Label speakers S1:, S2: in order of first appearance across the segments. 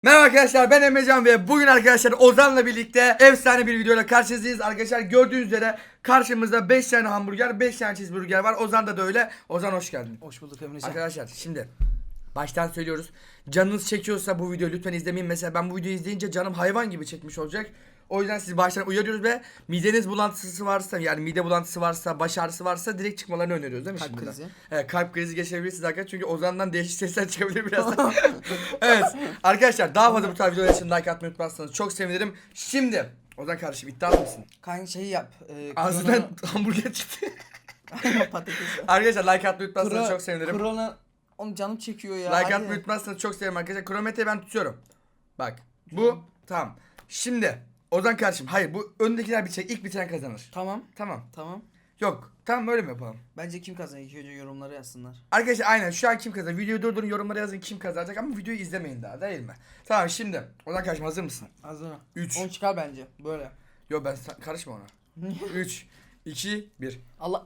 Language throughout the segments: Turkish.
S1: Merhaba arkadaşlar, ben Emrecan ve bugün arkadaşlar Ozan'la birlikte efsane bir videoyla karşınızdayız. Arkadaşlar gördüğünüz üzere karşımızda 5 tane hamburger, 5 tane cheeseburger var. Ozan'da da öyle. Ozan hoş geldin.
S2: Hoş bulduk Emrecan.
S1: Arkadaşlar şimdi baştan söylüyoruz. Canınız çekiyorsa bu videoyu lütfen izlemeyin. Mesela ben bu videoyu izleyince canım hayvan gibi çekmiş olacak. O yüzden sizi baştan uyarıyoruz ve mideniz bulantısı varsa, yani mide bulantısı varsa, baş ağrısı varsa direkt çıkmalarını öneriyoruz değil mi?
S2: Kalp
S1: şimdiden?
S2: krizi.
S1: Evet, kalp krizi geçirebilirsiniz arkadaşlar çünkü Ozan'dan değişik sesler çıkabilir birazdan. Evet arkadaşlar, daha fazla bu tarz videolar için like atmayı unutmazsanız çok sevinirim. Şimdi Ozan kardeşim iddialı mısın?
S2: Kanka şeyi yap.
S1: Ağzından hamburger çıktı.
S2: patates.
S1: Arkadaşlar like atmayı unutmazsanız çok sevinirim.
S2: Korona onu canım çekiyor ya.
S1: Like
S2: hadi.
S1: atmayı unutmazsanız çok sevinirim arkadaşlar. Kronometreyi ben tutuyorum. Bak bu tamam. Şimdi Ozan kardeşim, hayır, bu öndekiler bitecek, ilk bitiren kazanır.
S2: Tamam.
S1: Tamam.
S2: Tamam.
S1: Yok tamam, böyle mi yapalım?
S2: Bence kim kazanacak? İlk önce yorumlara yazsınlar.
S1: Arkadaşlar aynen, şu an kim kazanacak? Videoyu durdurun, yorumlara yazın kim kazanacak, ama videoyu izlemeyin daha, değil mi? Tamam, şimdi Ozan kardeşim hazır mısın?
S2: Hazır.
S1: 3.
S2: 10 çıkar bence. Böyle.
S1: Yok ben karışma ona. 3 2 1.
S2: Allah.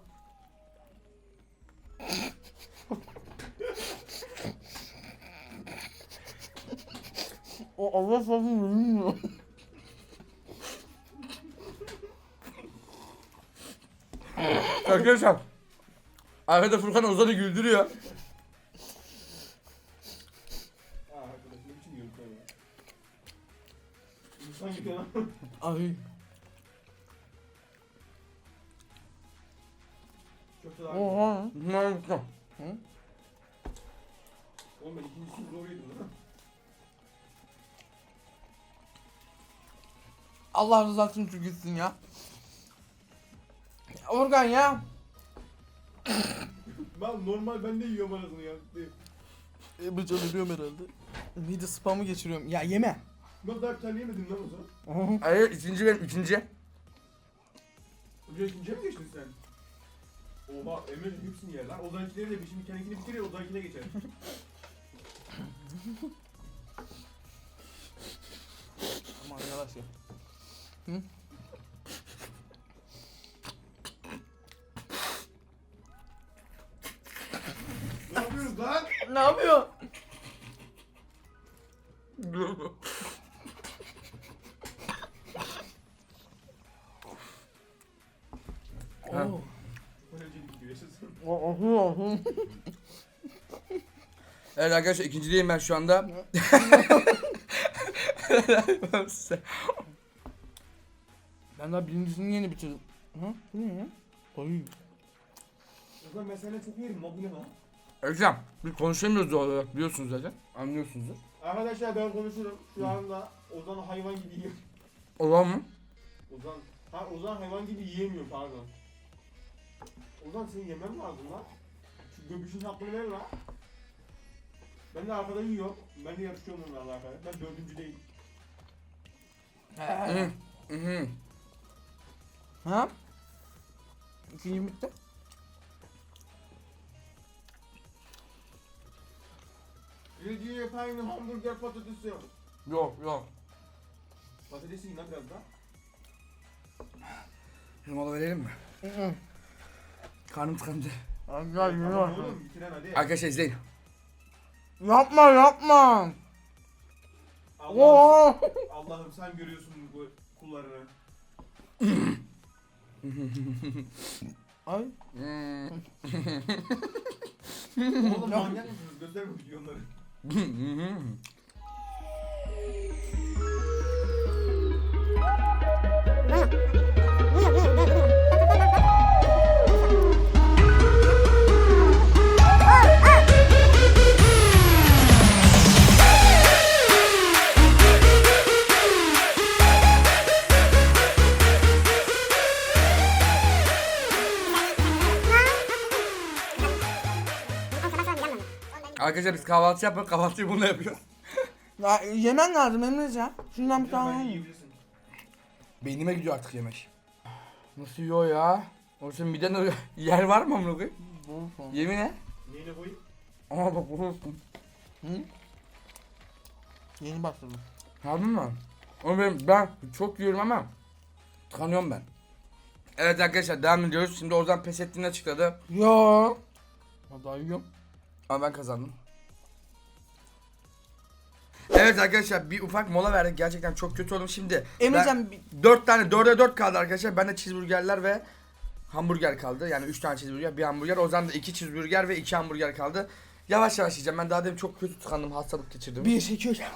S2: O Allah sabır bilmiyor.
S1: Arkadaşlar arkada Furkan Ozan'ı güldürüyor.
S3: Arkadaş ne biçim yiyorsun sen ya? İnsan gibi lan.
S2: Ay.
S3: Çok da
S2: Oha.
S1: Ne oldu?
S3: Oğlum ben ikincisini zor yedim lan.
S2: Allah rızası için gitsin ya. Organ ya.
S3: Ben normal ben de yiyorum arasını ya.
S2: Emrecan ölüyorum herhalde. Mide spamı geçiriyorum. Ya yeme.
S3: Ben daha bir tane yemedim lan o zaman.
S1: Hayır, ikinci benim, ikinci.
S3: Önce ikinciye mi geçtin sen? Oha Emre hepsini yer lan. Ozankileri de bir şimdi kendikini bitir ya Ozan'kine geçer.
S2: Aman yavaş ya.
S3: Ne yapıyoruz lan?
S2: Ne yapıyor?
S1: Ha.
S2: Oo.
S3: Çok eğlenceli gidiyor yaşasın.
S1: Evet arkadaşlar, ikincideyim ben şu anda.
S2: Ben daha birincisini yeni bitirdim. Ha? Bu ne ya? Ay.
S3: Ozan ben senden çok yerim lan bu ne lan?
S1: Hocam biz konuşamıyoruz doğal olarak, biliyorsunuz zaten. Anlıyorsunuzdur.
S3: Arkadaşlar ben konuşurum. Şu anda Ozan hayvan gibi yiyor.
S1: Olan mı?
S3: Ozan hayvan gibi yiyemiyor pardon. Ozan senin yemen lazım lan. Şu göbüşün hakkını ver lan. Ben de arkadan yiyorum. Ben de yarışıyorum onlarla arkadaşlar. Ben dördüncü değilim.
S1: Hı. Hı.
S2: Ha? İkinci bitti.
S3: Birinci yapayım hamburger patatesi.
S1: Yok yok.
S3: Patatesi yine biraz daha.
S1: Mola verelim mi? Karnım tıkandı.
S2: Ay
S3: Tamam oğlum bitiren hadi.
S1: Arkadaşlar izleyin.
S2: Yapma yapma.
S3: Allah'ım,
S2: Oo.
S3: Allah'ım sen görüyorsun bu kullarını.
S2: Ay.
S3: Oğlum manyak mısınız? Gösterme videoları.
S1: Arkadaşlar biz kahvaltı yapıyoruz, kahvaltıyı bununla yapıyoruz.
S2: Ya yemen lazım Emrecan. Şundan bir
S3: Sen
S2: tane.
S3: yiyebilirsin.
S1: Beynime gidiyor artık yemek. Nasıl yiyor ya? O senin miden yer var mı amına koyayım? Yemin et.
S3: Neyine koyayım?
S1: Ama bak bu.
S2: Hı? Yeni başladım.
S1: Harbi mi? Oğlum ben çok yiyorum ama tıkanıyorum ben. Evet arkadaşlar, devam ediyoruz. Şimdi Ozan pes ettiğini açıkladı.
S2: Ya. Daha yiyorum.
S1: Ama ben kazandım. Evet arkadaşlar bir ufak mola verdik. Gerçekten çok kötü oldum şimdi.
S2: Emrecan
S1: 4 tane 4'e 4 kaldı arkadaşlar. Bende cheeseburgerler ve hamburger kaldı. Yani 3 tane cheeseburger, bir hamburger. O zaman da 2 cheeseburger ve 2 hamburger kaldı. Yavaş yavaş yiyeceğim. Ben daha demin çok kötü tıkandım. Hastalık geçirdim.
S2: 1 2 3.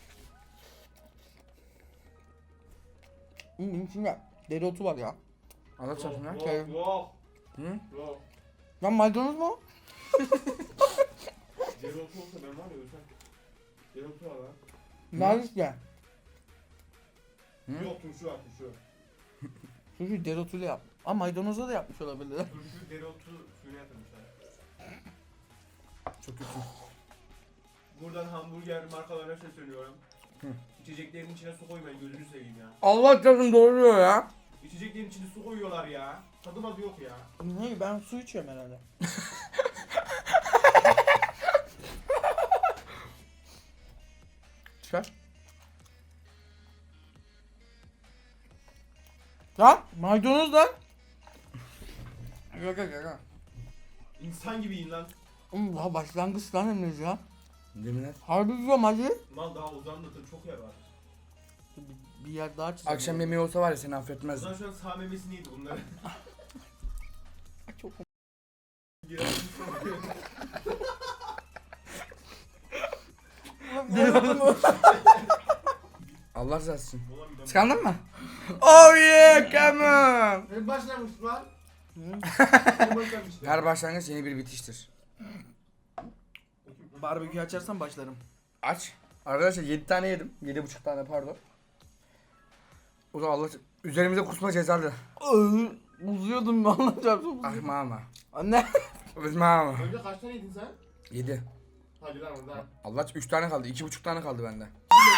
S2: İçinde dereotu var ya.
S1: Anlatsana şunu.
S3: Yok.
S1: Hı?
S3: Yok.
S2: Lan maydanoz mu?
S3: Dereotu olsa ben var ya ölsem. Dereotu var lan.
S2: Nerede işte?
S1: Hı?
S3: Yok turşu var turşu.
S2: Çünkü dereotuyla yap. Ama maydanozla da yapmış olabilir.
S3: Turşu dereotu suyuna yatırmışlar.
S1: Çok kötü.
S3: Buradan hamburger markalarına sesleniyorum.
S1: Hı.
S3: İçeceklerin içine su koymayın gözünü seveyim ya.
S1: Allah canım doğruyor ya.
S3: İçeceklerin içine su koyuyorlar ya. Tadı madı yok ya.
S2: Ne? Ben su içiyorum herhalde.
S1: Çıkar.
S2: Lan maydanoz lan.
S1: Yok yok yok.
S3: İnsan gibi yiyin lan.
S2: Daha başlangıç lan Emrecan ya.
S1: Yemin et.
S2: Harbi diyorum hacı.
S3: Mal daha uzanlatır çok yer var.
S2: Bir yer daha çizelim.
S1: Akşam yemeği olsa var ya seni affetmez.
S3: Ozan şu an sağ memesini yedi bunları.
S2: Çok
S1: Allah razı olsun.
S3: Ulan bir de-
S1: Tıkandın mı? Oh yeah come on.
S3: Ne başlamış lan? Ne başlamıştı?
S1: Her başlangıç yeni bir bitiştir.
S2: Barbekü açarsan başlarım.
S1: Aç. Arkadaşlar 7 tane yedim. 7,5 tane pardon. O da Allah üzerimize kusma cezalı.
S2: Uzuyordum anlayacağım.
S1: Ah mama.
S2: Anne.
S1: Biz mama.
S3: Önce kaç tane yedin sen?
S1: 7.
S3: Hadi lan oradan.
S1: Allah 3 tane kaldı. 2,5 tane kaldı bende.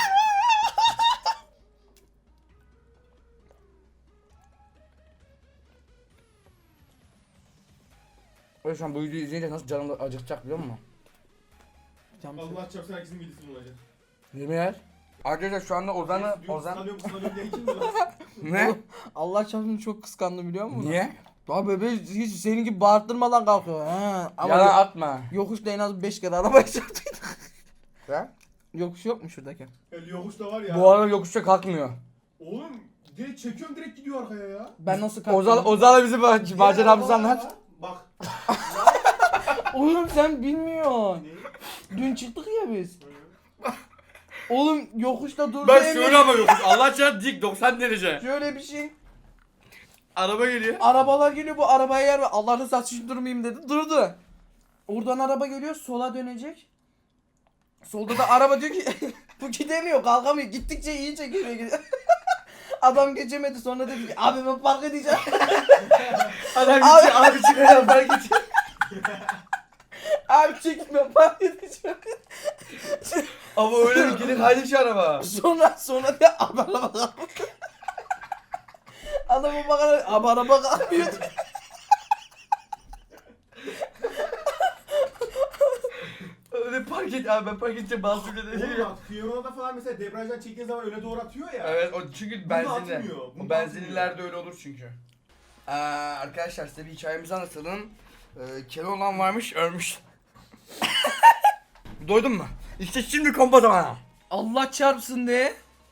S1: O yüzden bu videoyu izleyince nasıl canım da acıkacak biliyor musun?
S3: Allah çarpsın herkesin midesi bulacak.
S1: Yemin et. Arkadaşlar şu anda Ozan
S3: Kıskanıyorum diye kim lan?
S1: ne?
S2: Allah çarpsın çok kıskandım biliyor musun?
S1: Niye?
S2: Daha bebe hiç senin gibi bağırttırmadan kalkıyor. He. Ama
S1: Yalan atma.
S2: yokuşta en az 5 kere arabaya çarptıydı.
S1: Ha?
S2: Yokuş yok mu şuradaki?
S3: El yokuşta var ya.
S1: Bu arada yokuşta kalkmıyor.
S3: Oğlum direkt çekiyorum direkt gidiyor arkaya ya.
S2: Ben nasıl kalktım?
S1: Ozan'la bizi maceramızı anlat.
S3: Bak.
S2: Oğlum sen bilmiyorsun.
S3: Ne?
S2: Dün çıktık ya biz. Oğlum yokuşta durdu
S1: Ben
S2: Emre.
S1: şöyle ama yokuş. Allah çarptı dik 90 derece.
S2: Şöyle bir şey.
S1: Araba geliyor.
S2: Arabalar geliyor bu arabaya yer ver. Allah rızası için durmayayım dedi. Durdu. Oradan araba geliyor sola dönecek. Solda da araba diyor ki bu gidemiyor kalkamıyor. Gittikçe iyi çekiyor. Adam geçemedi sonra dedi ki abi ben park edeceğim.
S1: Adam gitti abi çıkıyor ben gideceğim.
S2: Abi çekme park edeceğim.
S1: Ama öyle bir geri kaydı şu araba.
S2: Sonra da abi araba kalkmıyor. Adama bakarak abi araba kalkmıyor.
S1: Öyle park et abi ben park edeceğim bazı bile
S3: Oğlum
S1: değil.
S3: bak Fiorona'da falan mesela debriyajdan çektiğin zaman öne doğru atıyor ya.
S1: Evet o çünkü
S3: Bunu
S1: benzinli.
S3: atmıyor, bunu
S1: O benzinlilerde öyle olur çünkü. Arkadaşlar size bir hikayemizi anlatalım. Keloğlan varmış ölmüş. Doydun mu? İşte şimdi kompa zamanı.
S2: Allah çarpsın de.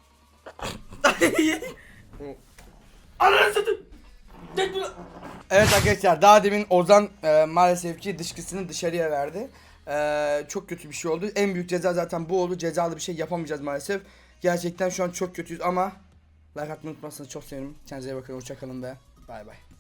S1: Ananı satayım. Evet arkadaşlar daha demin Ozan maalesef ki dışkısını dışarıya verdi. Çok kötü bir şey oldu. En büyük ceza zaten bu oldu. Cezalı bir şey yapamayacağız maalesef. Gerçekten şu an çok kötüyüz ama like atmayı unutmazsanız çok sevinirim. Kendinize iyi bakın. Hoşçakalın ve bay bay.